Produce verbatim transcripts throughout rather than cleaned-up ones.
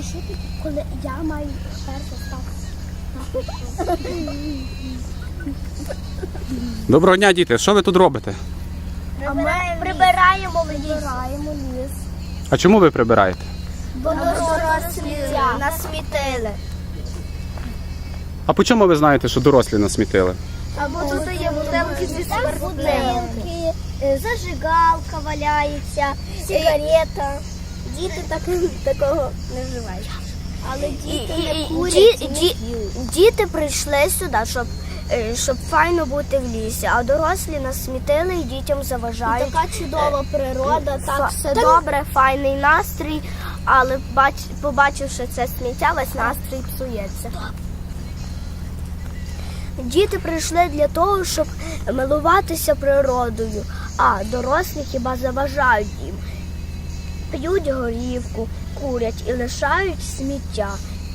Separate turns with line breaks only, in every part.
А що ти, коли я маю перше стати?
Доброго дня, діти. Що ви тут робите?
А ми прибираємо ліс. Прибираємо ліс.
А чому ви прибираєте?
Бо дорослі насмітили.
А по чому ви знаєте, що дорослі насмітили?
Або тут є бутилки зі спиртним. Зажигалка валяється, сигарета. Діти так, такого не вживають. Але діти не курять і не п'ють. Діти прийшли сюди, щоб, щоб файно бути в лісі, а дорослі нас смітили і дітям заважають. І така чудова природа, так все добре, файний настрій, але бач, побачивши це сміття, весь настрій псується. Діти прийшли для того, щоб милуватися природою, а дорослі хіба заважають їм. П'ють горівку, курять і лишають сміття.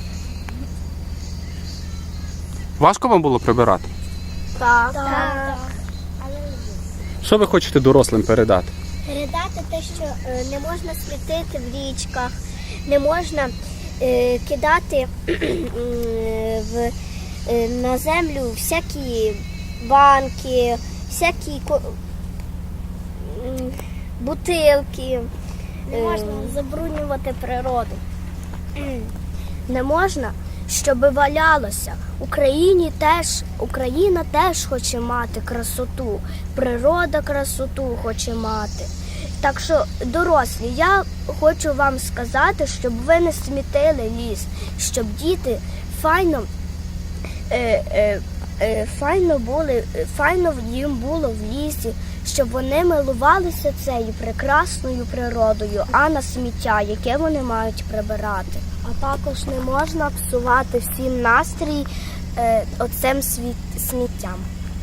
Важко вам було прибирати?
Так. так.
Що ви хочете дорослим передати?
Передати те, що е, не можна смітити в річках, не можна е, кидати е, в, е, на землю всякі банки, всякі ко- м, бутилки. Не можна забруднювати природу. Не можна, щоб валялося. Україні теж, Україна теж хоче мати красоту, природа красоту хоче мати. Так що, дорослі, я хочу вам сказати, щоб ви не смітили ліс, щоб діти файно, е, е, е, файно, були, файно їм було в лісі, щоб вони милувалися цією прекрасною природою, а не сміття, яке вони мають прибирати. А також не можна псувати всім настрій е, оцим світ, сміттям.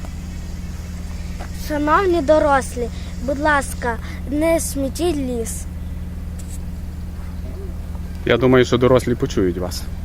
Шановні дорослі, будь ласка, не смітіть ліс.
Я думаю, що дорослі почують вас.